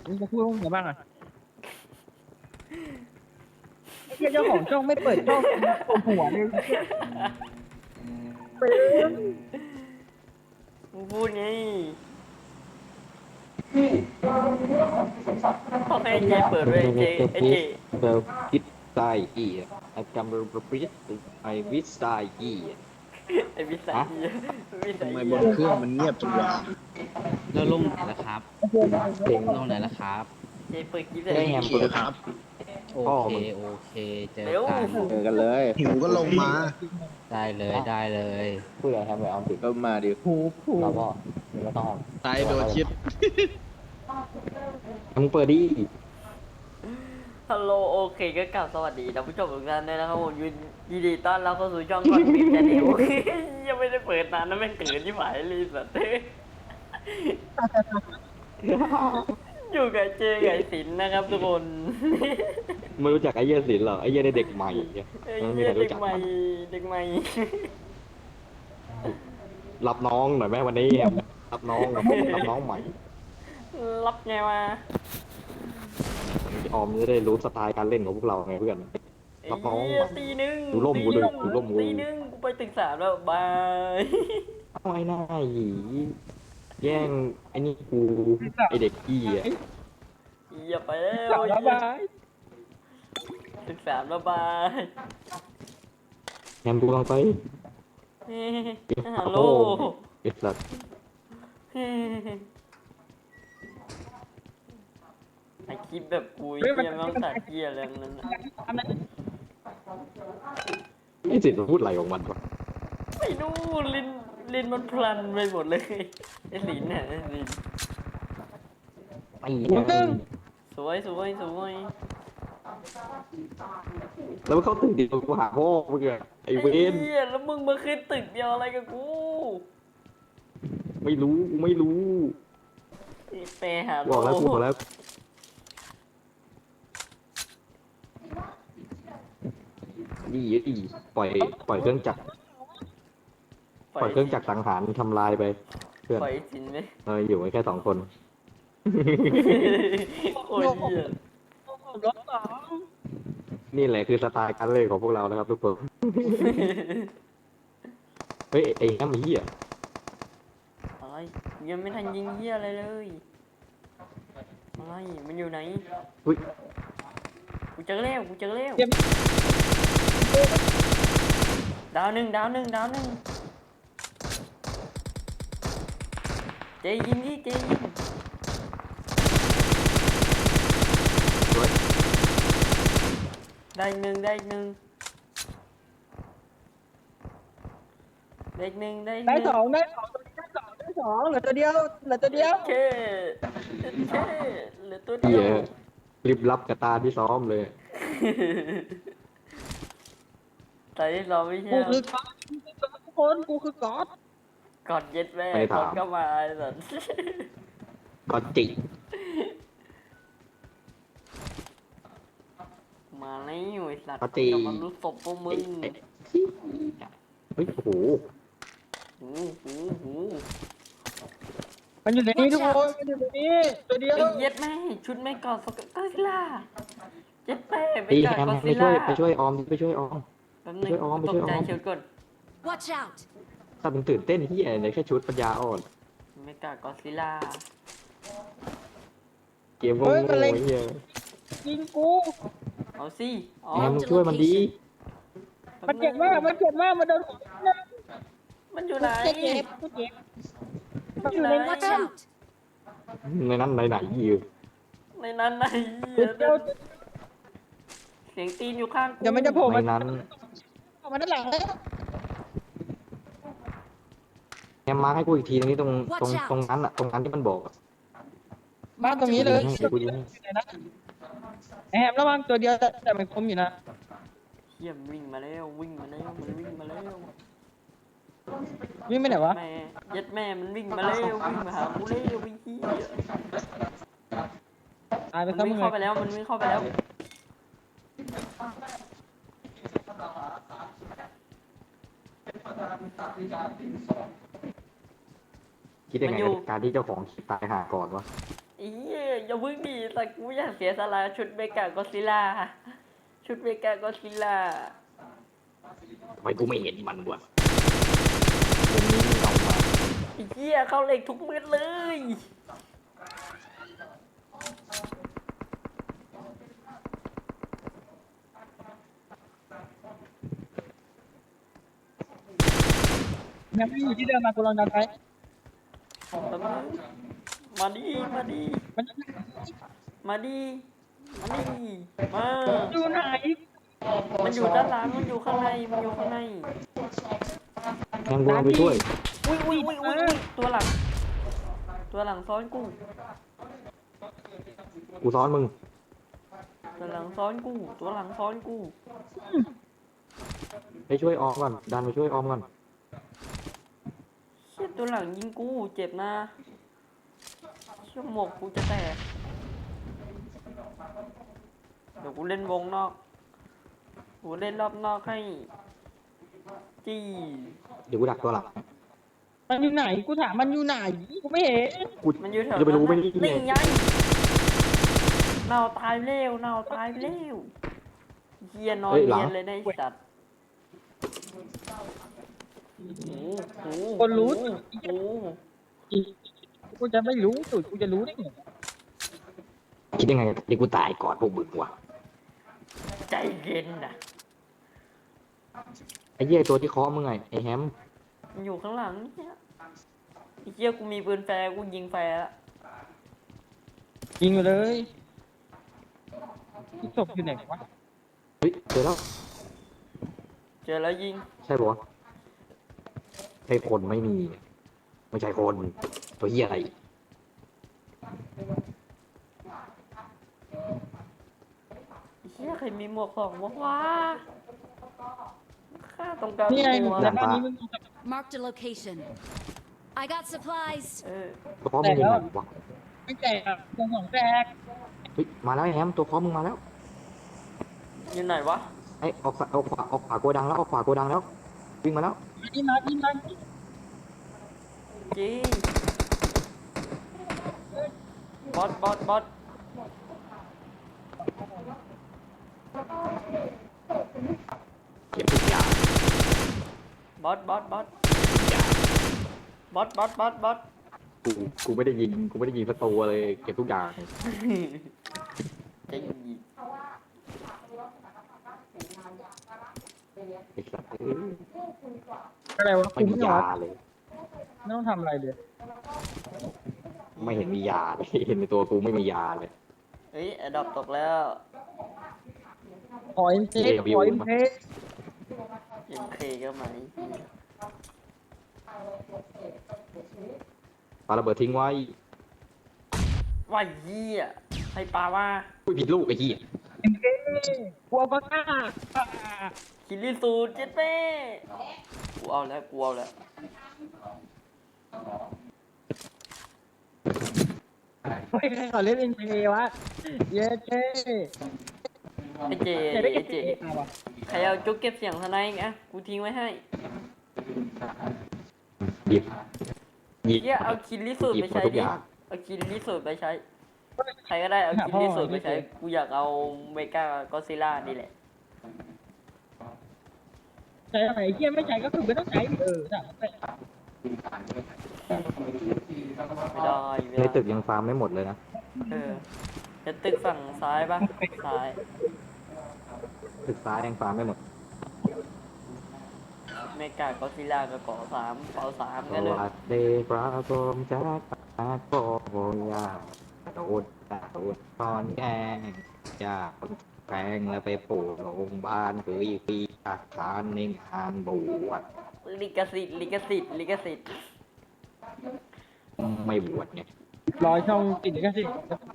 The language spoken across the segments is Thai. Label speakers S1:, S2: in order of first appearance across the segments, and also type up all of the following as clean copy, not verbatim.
S1: มึงจะพูดว่าไงบ้างอ่ะไอ้เหี้ยเจ้าของช่องไม่เปิดช่องโกนหัวเลยไปเลย
S2: มึงพูดไงพ่อให้เจเปิดไว้เจไอเจ
S3: เบลคิดตายอีไอ้จำเบลปริสไอวิสตายอี
S2: ไอวิสัย
S3: ฮะ
S2: เหี้ยวิสั
S4: ทำ
S2: ย
S4: ไมบ
S2: เหี้ย
S4: นเครื่องมันเงียบจังวะ
S5: แล้วลงไหนล่ะครับ
S3: เต็ง
S5: ลงไหนล่ะครับ
S2: เจเปิดคลิปเล
S3: ได้
S2: ย
S3: แฮม
S4: เค
S3: เปิด
S4: ครับ
S5: โอ
S3: พ่อ
S5: เค
S3: มึง
S5: โอเคเจอ
S2: เร็ว
S5: กัน
S3: เจอกันเลย
S4: หิวก็ลงมา
S5: ได้เลยได้เลย
S3: พูดอะไรแฮมไว้ออมสิ
S4: ก็มาดิ
S3: เราก็ไม่ต้อง
S4: ตายโดนชิด
S3: มึงเปิดดิ
S2: ฮัลโหลโอเคก็กล่าวสวัสดีท่านผู้ชมทุกท่านด้วยนะครับผมยินดีต้อนรับเข้าสู่ช่องก่อนปิดแชนแนลยังไม่ได้เปิดนานนะแม่งเกิดที่หมายเลยสัตว์อยู่กับเจไก่สินนะครับทุกคน
S3: ไม่รู้จักไอ้เหี้ยศิลป์หรอไอ้เหี้ยได้เด็กใหม่
S2: ไอ้
S3: มันไม่
S2: เหี้ย
S3: ใคร
S2: เด็
S3: รู้
S2: ก
S3: จัก
S2: ใหม่
S3: มัน
S2: เด็กใหม่
S3: รับน้องหน่อยแม่วันนี้แฮมรับน้องรับน้องใหม่
S2: รับไงวะ
S3: ออมจะได้รู้สไตล์การเล่นของพวกเราไงเพื่อน
S2: ไอ้
S3: รับน้อง
S2: เหี้ย
S3: ใหม่
S2: ตีหนึ่ง
S3: ดูร่มกูด้วยดูร่มกู
S2: ตีหนึ่งกูไปตึกสามแล้วบาย
S3: เอาไอ้หน้าหยีแย่งไอ้นี่กูไอ้เด็กอี้อ่ะ
S2: อย่าไปแล้ว
S1: สาวบาย
S2: ตึกสามแล้วบาย
S3: แฮมกูลองไป
S2: เฮ้ฮัลโหล
S3: ไอ้สัตว์
S2: เฮ้ไอคลิปแบบกูเหี้ยไม่ต้องตัดเหี้ยอะไรทั้งนั้นน่ะ
S3: ไอ้สิทธิ์มันพูดอะไรของมันวะ
S2: ไม่รู้ลิ้นมันพลันไปหมดเลยไอ้ลิ้นเนี่ยไอ้ลิ้น
S3: ไอ้เหี้ย
S2: สวยสวยสวย
S3: แล้วมันเข้าตึกเดียวกูหาพ่อมึงอะไอ้เว
S2: ไอ้
S3: น
S2: เหี้ยแล้วมึงมาขึ้นตึกเดียวอะไรกับกู
S3: ไม่รู้กูไม่รู้
S2: ไปหา
S3: บอกแล้วกูบอกแล้วดีปล่อยเครื่องจักรปล่อยเครื่องจักรสังหารทำลายไปเพื่อน
S2: ปล่อยสินไหม
S3: อยู่กันแค่สองคน
S2: โอ้ยเหี้ย
S1: รถสอง
S3: นี่แหละคือสไตล์การเล่นของพวกเรานะครับทุกคน เฮ้ยไอ้แฮมเหี้ย
S2: อะไรยังไม่ทันยิงเหี้ยอะไรเลยอะไรมันอยู่ไหน
S3: เฮ้ย
S2: กูเจอแล้วกูเจอแล้ว
S1: เจ็บ
S2: ดาวหนึ่งดาวหนึ่งดาวหนึ่งเจยิงดิเจยิง
S3: เฮ้ย
S2: ได้อีกหนึ่งได้อีกหนึ่งได้อีกหนึ่งได้อีกห
S1: ได้
S2: นึ่ง
S1: สองได้สองได้สองเหลือตัวเดียวเหลือตัวเดียว
S2: เคเคเหลือตัวเดี
S3: เหี้
S2: ย
S3: ยว รีบรับกับตาที่ซ้อมเลย
S2: แต่ที่เราไม่ใช่
S1: กูคือก๊อตทุกคนกูคือก๊อต
S2: กอดเย็ดแม่
S3: ไม่
S2: ก
S3: ถา
S2: อ
S3: ม
S2: ดก็มาไอ้สัส
S3: ก็จิ
S2: มาแล้วไอ้สัตว์
S3: ก็จิ
S2: จะมารู้ศพพวกมึง
S3: เฮ้ยโอ้โห
S2: หูหูหู
S1: มันอยู่ในนี้ทุกคนมันอยู่ในนี้ตัวเดียว
S2: ไอ้เย็ดแม่ชุดไม่กอดสกัดก็ซิล่าเย็ดแม่ไป
S3: ตี
S2: กอด
S3: แฮม
S2: ก็
S3: ไป
S2: ซิ
S3: ช่ว
S2: ล่าย
S3: ไปช่วยออมไปช่วยออม
S2: แป๊บนึง
S3: ช่วยออม
S2: ต
S3: ช่
S2: ก
S3: วยออม
S2: ใจเชียวก่อน
S6: Watch out!
S3: ถ้ามึงตื่นเต้นที่ไหนแค่ชุดปัญญาอ่อน
S2: ไม่กอดก็ซิล่า
S3: เกมโง่ๆไอ้เหี้ย
S1: ยิงกู
S2: เอาสิอ๋อ
S3: แฮมมึงช่วยมันดี
S1: มันเจ็บมากมันเจ็บมากมันโดนหัว
S2: มันอยู่ไหน
S1: เจ็บกูเจ็บ
S2: มันอยู่ไหน
S6: Watch out!
S3: ในนั้นไหนอยู่
S2: ในนั้นไหน
S1: เดี๋ยว
S2: เสียงตีนอยู่ข้างกู
S1: เดี๋ยวมันจะโผล่
S3: ใน
S1: มา
S3: นั้น
S1: มาด้านหลังแล้ว
S3: แฮมมาให้กูอีกทีตรงนี้ตรงนั้นอะตรงนั้นที่มันบอกอะ
S1: บ้านตรงนี้เลย
S3: กูยิงให้
S1: แอบระวังตัวเดียวแต่มันคมอยู่นะ
S2: เฮียมนวิ่งมาแล้ววิ่งมาแล้วมันวิ่งมาแล้ว
S1: วิ่งไปไหนวะ
S2: แม่เย็ดแม่มันวิ่งมาแล้ววิ่งมาหากูแล้ววิ่งเฮีย
S1: ตายไป
S2: มัน
S1: ซะ
S2: วิ่
S1: มึ
S2: ง
S1: ง
S2: เข้าไป
S1: เลย
S2: แล้วมันวิ่งเข้าไปแล้ว
S3: คิดยังไงกับการที่เจ้าของตายหาก่อนวะ
S2: ไอ้เหี้ยอย่าเพิ่งดีแต่กูอยากเสียสละชุดเมกากอซิลล่าชุดเมกากอซิลล่า
S3: ทำไมกูไม่เห็นมันวะมุมนี้มีเงามา
S2: ไอ้เหี้ยเข้าเหล็กทุกเม็ดเลย
S1: ยังไม่อยู่ที่เดิมมากูลองดันไป
S2: มาดิ
S1: มัน
S2: มาดิ มาดิ มา
S1: อยู่ไหน
S2: มันอยู่ด้านหลัง มันอยู่ข้างใน มันอยู่ข้างใน
S3: แทงกูลงไปช่วย
S2: อุ้ยตัวหลัง ตัวหลังซ้อนกู
S3: กูซ้อนมึง
S2: ตัวหลังซ้อนกู ตัวหลังซ้อนกู
S3: ไปช่วยออมก่อน ดันไปช่วยออมก่อน
S2: เชี่ยตัวหลังยิงกู เจ็บนะเชี่ยหมวกกูจะแตก เดี๋ยวกูเล่นวงนอก กูเล่นรอบนอกให้จี้
S3: เดี๋ยวกูดักตัวหลัง
S1: มันอยู่ไหนกูถามมันอยู่ไหนกูไม่เห็น
S3: กู
S2: มันอยู่แถว
S3: จะไปรู้ไหม
S2: นั้น
S3: นี่
S2: น่ะนี่ไงเน่าตายเร็วเน่าตายเร็วเฮียนอนเรียนเลยนะไอ้สัตว์โอ้โห
S1: คนรู้
S2: โอ้โห
S1: กูจะไม่รู้สุดกูจะรู้ได้ไง
S3: คิดยังไงเดี๋ยวกูตายก่อนพวกมึงวะ
S2: ใจเย็นนะ
S3: ไอ้เหี้ยตัวที่เคาะมึงไงไอ้แฮม
S2: มันอยู่ข้างหลังเนี่ยไอ้เฮียกูมีปืนแฟร์กูยิงแฟร์ละ
S1: ยิงไปเลยศพอยู่ไหนวะ
S3: เฮ้ยเจอแล้ว
S2: เจอแล้วยิง
S3: ใช่ปะวะใช่คนไม่มี ไม่ใช่คน ตัวเหี้ยอะไร
S2: ไอ้เฮียใครมีหมวกของวะวะข้าต้องการ
S1: นี่ไง
S2: หมวก
S1: แต่บ้านนี้มึง
S6: Marked a location. I got supplies.
S2: เออ
S3: ตัวเคาะมึงอยู่ไหนวะ
S1: ไม่แตกตรงของแตก
S3: เฮ้ยมาแล้วไอ้แฮมตัวเคาะมึงมาแล้ว
S2: อยู่ไหนวะ
S3: ไอ้ออกขวาโกดังแล้วออกขวาโกดังแล้ววิ่งมาแล้ว
S1: นี่มาที่มา
S2: จีบอสบอส
S3: เก็บทุกอย่าง
S2: บอส
S3: กูไม่ได้ยิงสักตัวเลยเก็บทุกอย่าง
S2: จะยิง
S3: ไอ้สัส
S1: อะไรวะ
S3: ไม่
S1: กู
S3: มี
S1: ไม่
S3: ยา
S1: เอา
S3: เลย
S1: ไม่ต้องทำอะไรเลย
S3: ไม่เห็นมียาเลยเห็นในตัวกูไม่มียาเลย
S2: เฮ้ยอดอบตกแล้ว
S1: ขอเอ็มเพสขอเอ็มเพส
S2: MK ก็ไหม
S3: ปาระเบิดทิ้งไว้
S2: ว่าเหี้ยให้ปลาว่า
S3: อุ้ยผิดลูกไอ้เหี้ย
S1: เอ็มเพสกูเอาปากกา
S2: คิริสูตรเจ็ดเป้กูเอาแล้ว
S1: เฮ้ยใครขอเล่นเอ็มเพสวะเย้เจ้
S2: ไอ้เจ
S1: ไหนได้
S2: ไอ้
S1: เก็บ
S2: เจ
S1: เอ็มเพสมาวะ
S2: ใครเอาจุกเก็บเสียงทนายอีกอ่ะกูทิ้งไว้ให้
S3: หยิบหยิบ
S2: เหี้ยเอาคิริสูตร
S3: หยิบ
S2: ไป
S3: หมด
S2: ใช้
S3: ทุก
S2: ดิ
S3: อย่าง
S2: เอาคิริสูตรไปใช้ ใครก็ได้เอาคิริสูตรไปใช้ กูอยากเอาเมกากอซิล่านี่แหละ
S1: ใช้อะไรเฮียไม่ใช้ก็คือไม่ต้องใช้ถามไป
S2: ไม่ได้
S3: ในตึกยังฟาร์มไม่หมดเลยนะ
S2: เออจะตึกฝั่งซ้ายปะซ้าย
S3: ตึกซ้ายยังฟาร์มไม่หมด
S2: เมกากอซิล่ากับเกาะสามเกาะสาม
S3: ส
S2: กันเลย
S3: วัสดีครับผมจากปากโกยาโดดตอนแกงจากแปลงแล้วไปปลูกโรงพยาบาลคืออีกปีอาคารในงานบวช
S2: ลิขสิทธิ์ลิขสิทธิ์ลิขสิทธิ์
S3: ไม่บวชเนี่ย
S1: รอช่องติดก็สิ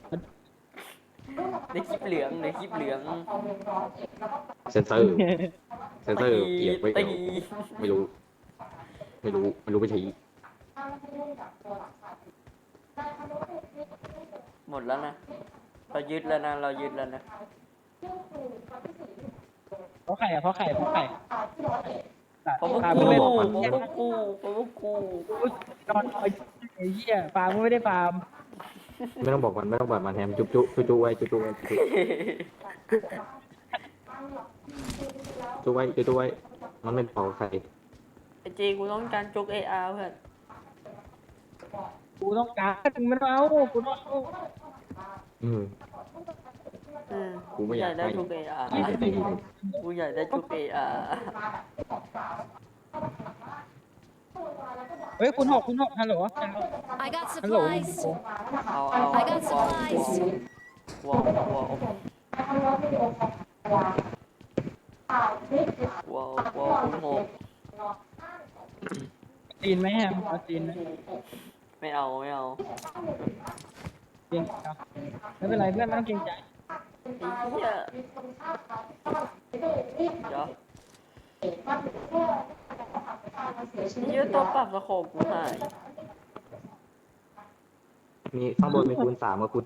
S2: ในคลิปเหลืองในคลิปเหลือง
S3: เซนเซอร์เซนเซอร์เกียบไว้
S2: ตี
S3: ไม่รู้ไม่ชี้
S2: หมดแล้วนะเรายึดแล้วนะเรายึดแล้วนะ
S1: เพราะไข่อะเพราะไข่
S2: เพราะพวก
S1: ป
S2: กู
S1: ลา
S2: เพ
S1: มึ
S2: ราะ
S1: งไม่
S2: พวก
S1: ได้
S2: กูเพราะพวกกู
S1: นอนไอ้เหี้ยปลามึงไม่ได้ปลา
S3: ไม่ต้องบอกมันไม่ต้องบอกมันแฮมจุ๊บจุ๊บจุ๊บจุ๊บไว้จุ๊บจุ๊บไว้จุ๊บจุ๊บไว้จุ๊บจุ๊บไว้มันไม่บอกใคร
S2: ไอจีกูต้องการจุกเออาร์เพื่อน
S1: กูต้องการมึงมันเอากูต้องเอา
S3: อืม
S2: อืม
S3: กูไม่อยาก
S2: ได้
S3: ให้
S2: จุกเออาร์
S3: ไอ้ตีเลย
S2: กูอยากได้จุกเออาร์
S1: เฮ้ยคุณหกฮัลโหล
S6: I got
S1: ฮัลโหล
S6: supplies.
S2: เอา
S6: I got supplies.
S2: วอลวอลคุณหก
S1: จีนไหมแฮมเอาจีนไหม
S2: ไม่เอาไม่เอา
S1: เกรงใจไม่เป็นไรเพื่อนไม่ต้องเกรงใจ
S2: ไอ้เหี้ยเดี๋ยวเหี้ยตัวปรับสโคปกูหาย
S3: มีข้างบนมีคูณ 3กับคูณ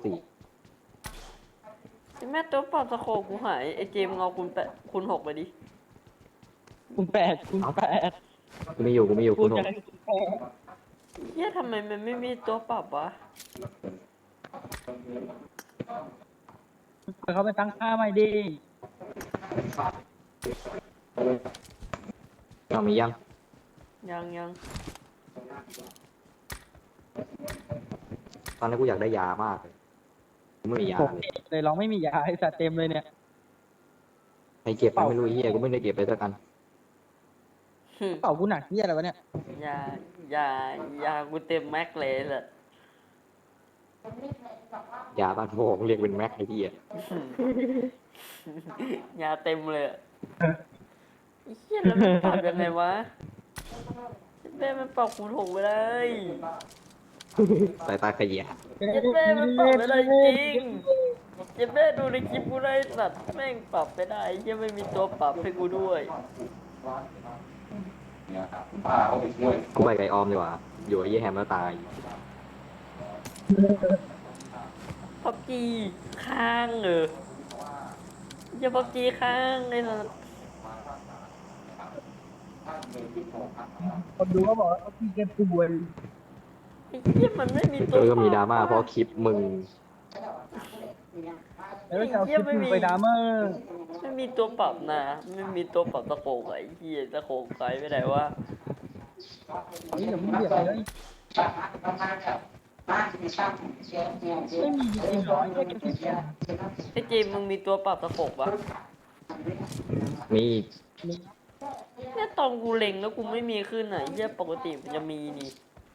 S2: ไอ้แม่ตัวปรับสโคปกูหายไอ้เจมส์เอาคุณหกไปดิ
S1: คุณแปด
S3: 4กูไม่อยู่คู
S1: พู
S3: ณ
S1: ดอะไร
S2: เหี้ยทำไมมันไม่มีตัวปรับวะ
S1: เขาไปตั้งค่าใหม่ดิ
S3: 6เอามียัง
S2: ยัง
S3: ตอนนี้กูอยากได้ยามากเลยกูไม่มียา
S1: ผม
S3: เลย
S1: เลยลองไม่มียาไอ้สัตว์เต็มเลยเนี่ย
S3: ใครเก็บมันไม่รู้ไอ้เหี้ยกูไม่ได้เก็บไปสักอัน
S1: เป่ากูหนักที่อะไรวะเนี่ย
S2: อย่ากูเต็มแม็กเลยเลย
S3: ยาบ้านโมงเรียกเป็นแม็กไอ้เหี้ย
S2: ยาเต็มเลยอะไอ้เหี้ยแล้วมันปรับยังไงวะแม่มันปรับคูณหกไปเลย
S3: สายตาขยี้
S2: เจ็ดแม่มันปรับไปได้จริงเจ็ดแม่ดูในคลิปกูได้สัตว์แม่งปรับไปได้ยังไม่มีตัวปรับให้กูด้วย
S3: กูไปไก่ออมดีกว่าอยู่ไอ้เหี้ยแฮมแล้วตาย
S2: พับจีค้างอย่าพับจีค้างเลยนะ
S1: คนดูก็บอกว่าพี่แกป่วย
S2: ไอ้เหี้ยมันไม่มีตัว
S3: ก็มีดราม่าเพราะคลิปมึง
S1: แล้วจะเอาคลิปมึงไปดราม่า
S2: ไม่มีตัวปรับนะไม่มีตัวปรับตะโขกไอ้เหี้ยตะโขกไปไม่ได้ว่า
S1: นี่เดี๋ยวมึงเบียดไปแล้วไม่มีจริงๆหรอแค่กินเสีย
S2: ไอ้เจมส์มึงมีตัวปรับตะโขกปะ
S3: มี
S2: เนี่ยตอนกูเล็งแล้วกูไม่มีขึ้นอ่ะไอ้เหี้ยปกติมันจะมีนี่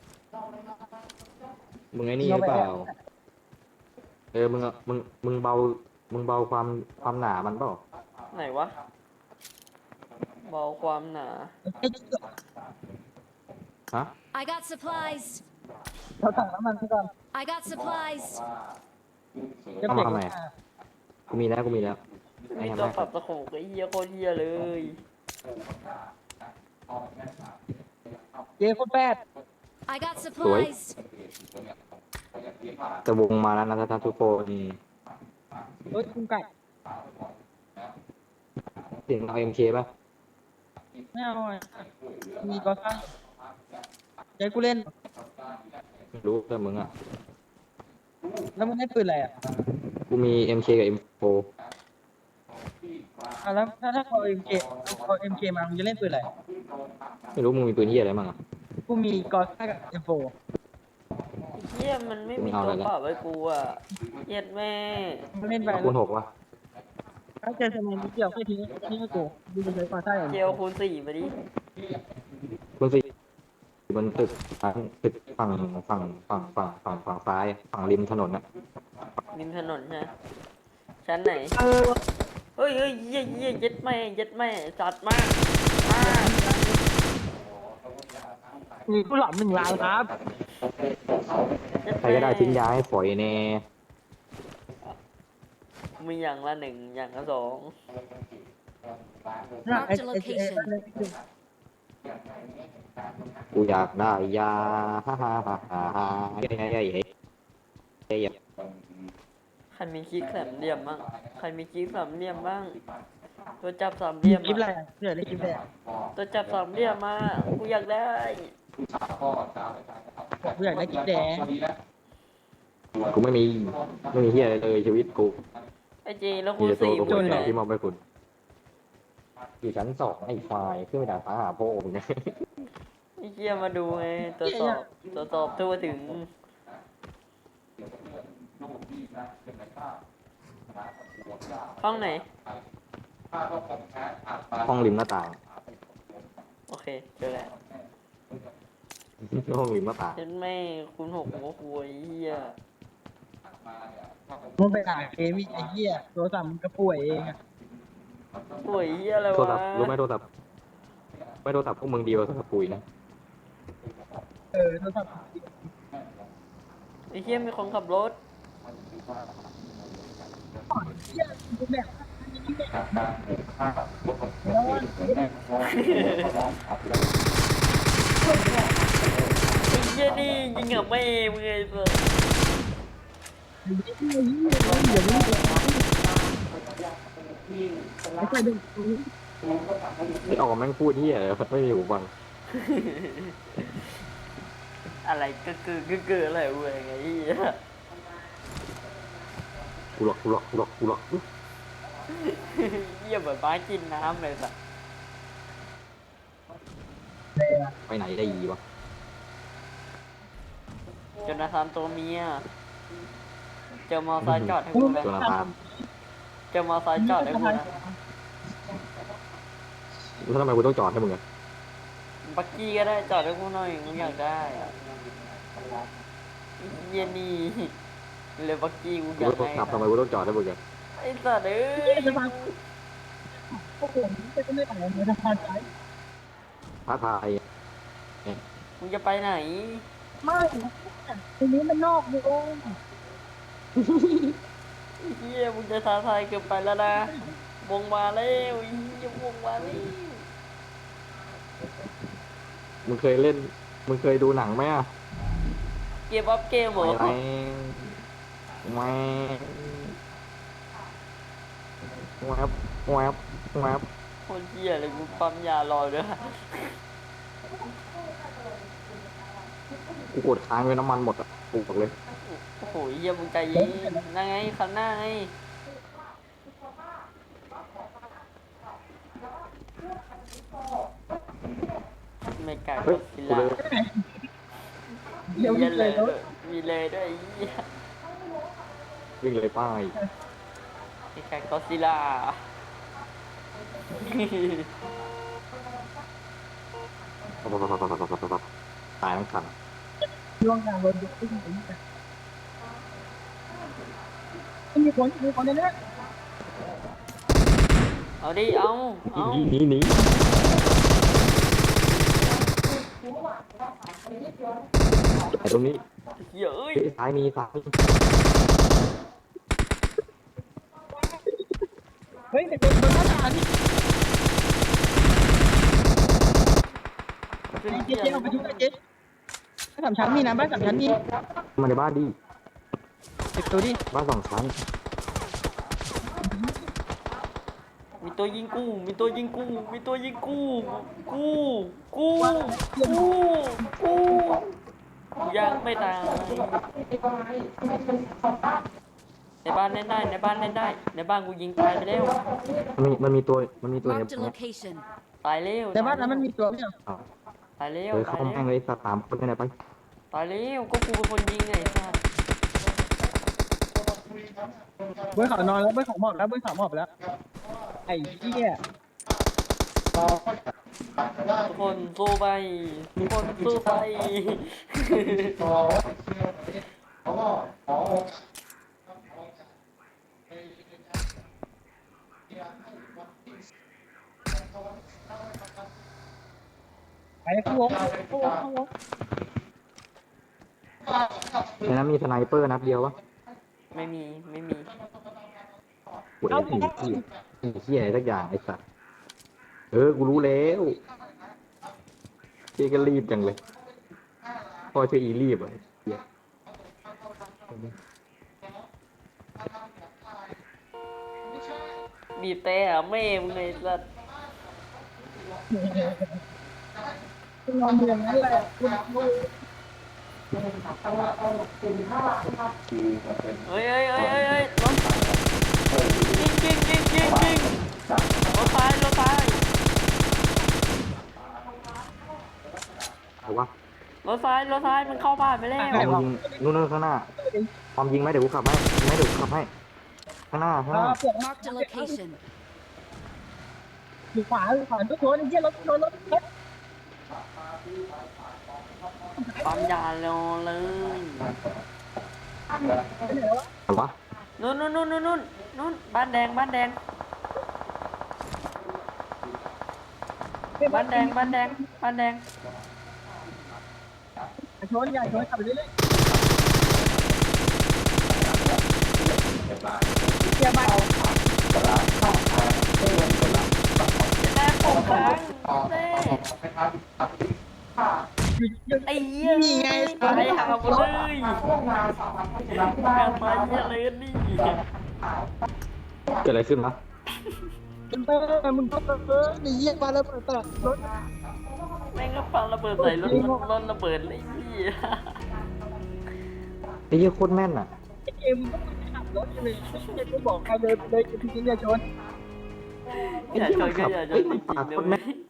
S3: มึงไอ้นี่หรือเปล่ามึงอะมึงเบาความหนามันเปล่า
S2: ไหนวะเบาความหนา
S3: ฮะ
S6: I got supplies.
S1: เราสั่งน้ำมันไปก่อน
S6: I got supplies.
S1: จะเปลี่ยน
S3: ทำไม กูมีแล้ว
S2: ไม่มี
S3: ไอ้ทำ
S2: ตัว
S3: ไม
S2: ปรับตะโขกไอ้เหี้ยโคตรเหี้ยเลย
S1: เย้คนแปด
S6: I got supplies.
S3: แต่วงมาแล้วนะท่านทุกคน
S1: เฮ้ยคุณไก่
S3: เสียงเอาเอ็มเคป่ะ
S1: ไม่เอาอ่ะมีก็ซ่าใจกูเล่น
S3: ไม่รู้แต่มึงอ่ะ
S1: แล้วมึงได้ปืนอะไรอ่ะ
S3: กูมี MK กับ M4
S1: แล้วถ้าเอาเอ็มเคมามึงจะเล่นปืนอะไร
S3: ไม่รู้มึงมีปืนที่อะไรบ้างอ่ะ
S1: กูมีกอซ่ากับเอ็มโฟ
S2: ไอ้เหี้ยมันไม่มีตัวปรับไว้กูอ่ะเหี้ย็ดแม่
S1: มึงเล่นไป
S3: คูณ 6วะ
S1: ถ้าเจอสมัยนิดเดียวแค่ทิ้งให้กูดูจะใช้กอซ่าอย่าง
S2: เจ
S1: เดียว
S2: ลคูณ4มาดิ
S3: คูณ 4บนตึกฝั่งซ้ายฝั่งริมถนนอ่ะ
S2: ริมถนนใช่ไหมชั้นไหนเฮ้ยเหี้ยเย็ดแม่จัดมาก
S1: มีผู้หลับ1 ล้านครับ
S2: เย็ด
S3: ใคร
S2: แม่
S3: ก็ได้ทิ้งยาให้ฝอยแน่
S2: มีอย่างละ1อย่างละ2
S6: Marked a location.
S3: กูอยากได้ยาฮ่าฮ่าฮ่าฮ่าฮ่าเฮ้ยเฮ้ยเฮ้ยเฮ้ย
S2: ใครมีคลิกสามเหลี่ยมบ้างใครมีคลิกสามเหลี่ยมบ้าง ตัวจับสามเหลี่ยม
S1: คลิปอะไร
S2: อะ
S1: เดี๋ยวได้คลิปอะไร
S2: ตัวจับสามเหลี่ยมมากูอยากได้
S1: กูอยากได้คลิปแดง
S3: กูไม่มีเฮียอะไรเลยชีวิตกู
S2: ไอ้เจแล้ว
S3: มี
S2: คูณ
S3: แต่ตัว
S2: สี่
S3: กู
S2: มึง
S3: คน
S2: อยู่ไหน
S3: ที่มอบให้คุณอยู่ชั้นสองไอ้ไฟล์ขึ้นไปด่าฟ้าหาพ่อมึงเนี่ย
S2: ไอ้เหี้ยมาดูไงตรวจสอบทั่วถึง ห้องไหน
S3: ห้องริมหน้าต่าง
S2: โอเคเจอแล้ว
S3: ห้องริมหน้าต่าง
S2: เห็นไหม่คุณหกหัวคุยเหี้ย
S1: มึงไปด่าเกมไอ้เหี้ยโทรศัพท์มึงก็ป่วยเองอะ
S2: ป่วยเหี้ยอะไร
S3: โทร
S2: วะ
S3: ศัพท์รู้ไหมโทรศัพท์ไม่โทรศัพท์พวกมึงดีกว่าโทรศัพท์ปุ๋ยนะ
S1: โทรศัพท์
S2: ไอ้เหี้ยมีคนขับรถ
S1: เหี้ยกูแบบ
S2: ไอ้เหี้ยนี่ยิงกับแม่มึงไงสัส
S1: ไม่ใช่ดึง
S3: ไอ้ออกแม่งพูดเฮียอะไรไม่มีหูฟัง
S2: อะไรก็คืออะไรเว้ยไงเหี้ย
S3: กูหลอก
S2: เหี้ยเหมือนม้ากินน้ำเลยสัส
S3: ไปไหนได้ยีวะ
S2: จนนาธานตัวเมียเจอมอไซค์จอดให้กูเลย
S3: โจนาธาน
S2: เจอมอไซค์จอดให้กูนะ
S3: แล้วทำไมกูต้องจอดให้มึงอะ
S2: บักกี้ก็ได้จอดให้กูหน่อยกูอยากได้อะไอ้เหี้ยนี่เลยบักกี้กู
S3: กู
S2: อยาก
S3: ต้อ
S2: ได้
S3: งขับทำไมกูต้องจอดให้มึงอะ
S2: ไอ้สัตว์เอ้ย
S1: พวกผมจะไม่ต่างกันจะพาใจ
S3: ท้าทาย
S2: มึงจะไปไหน
S1: ไม่ทีนี้มันนอกวง
S2: ไอ้เหี้ยมึงจะท้าทายเกินไปแล้วนะวงมาแล้วไอ้เหี้ยวงมาแล้ว
S3: มึงเคยดูหนังไหมอะ
S2: เกมอัพเกมเหรอ
S3: แหวบแวบ
S2: คนเหี้ยเลยกูปั๊มยารอด้วย
S3: กูกดค้างไว้น้ำมันหมดอ่ะกูบอกเลย
S2: โอ้โหเหี้ยมึงใจเย็นนั่งไงคันหน้าไงไม่กล้า
S3: เฮ้ย
S2: สิ
S3: กู
S2: ละ
S3: เลย
S1: เดี๋ยว
S2: มี
S1: นี้
S2: เล
S1: เลย ย
S2: ด้วยมีเลยด้วยไอ้เหี้ย
S3: วิ่งเลยป้าย
S2: ไอ้กาก็ซิล่า
S3: ตายทั้งคัน
S1: ช่วงกลางรถยกขึ้นไปมีคนในนี้
S2: เอาดิเอา
S3: หนี ไอ้ตรงนี้
S2: เหี้ยเอ้ย
S3: เฮ้ยซ้ายมี
S1: เฮ้ยแต่คนหน้าตาที่
S2: เป็น
S1: เจ๊
S2: เหี้ย
S1: เอาไปดูเจ๊บ้านสามชั้นมีนะบ้านสามชั้นมี
S3: มาในบ้านดิ
S1: เด็กตัวดิ
S3: บ้าน2 ชั้น
S2: มีตัวยิงกูมีตัวยิงกูมีตัวยิงกูกูยังไม่ตายในบ้านเล่นได้ในบ้านเล่นได้ในบ้านกูยิงตายไปแล้ว
S3: มันมีตัวใน
S6: Marked a location.
S2: ตายแล้ว
S1: แต่บ้านนั้นมันมีตัวไม่ใช่
S2: ตายแล้ว
S3: เลย
S2: ตา
S3: เข้าย
S2: แล้
S3: แม่ง
S2: ว
S3: เลยสัก3 คนไปไหนไป
S2: ตายแล้วก็กูเป็นคนยิงไงสัส
S1: เบอร์เขานอนแล้วเบอร์เขาหมอบแล้วเบอร์เขาหมอบแล้วไอ้เหี้ย
S2: ทุกคนสู้ไปทุกคนสู้ไป
S1: ไปเข้าวง
S3: ในนั้นมีสไนเปอร์นัดเดียววะ
S2: ไม่มี
S3: โอ้ยไอ้เหี้ยอะไรสักอย่างไอ้สัสกูรู้แล้วเจ๊ก็รีบจังเลยพอเชื่ออีรีบอ่ะเหี้ย
S2: บีบแต่แม่มึงเลยสัส
S1: นอนอย่างนั้นแหละคุณ
S2: เฮ้ยรถยิงรถไฟ
S3: เอาวะ
S2: รถไฟมันเข้าบ้านไปแล้ว
S3: พร้อมยิงนู่นข้างหน้าพร้อมยิงไหมเดี๋ยวกูขับให้ยิงไหมเดี๋ยวกูขับให้ข้างหน้า
S6: Marked a location.
S1: อยู่ขวาทุกคนไอ้เหี้ยรถ
S2: ปั๊มยาเลย
S3: เอาวะ
S2: นู่นบ้านแดงบ้านแดง
S1: ชนอย่าชนขับไปเรื่อยเกียร์ใหม่
S2: แม่ผมค้างไอ้เหี้ยนี่ไงตายหาหมดเลยการตายเหี้ยเลยนี่
S3: เกิดอะไรขึ้นวะ
S1: มึงก็ไอ้เหี้ยมาแล้วเปิดรถ
S2: แม่งก็ปังระเบิดใส่รถระเบิดเลยพี่
S3: ไอ้เหี้ยโคตรแม่นอ่ะ
S1: เอ็มก็ขับรถเลยไม่บอกใครเลยพี่อย่าชน
S2: อย่าชนจริงๆนะ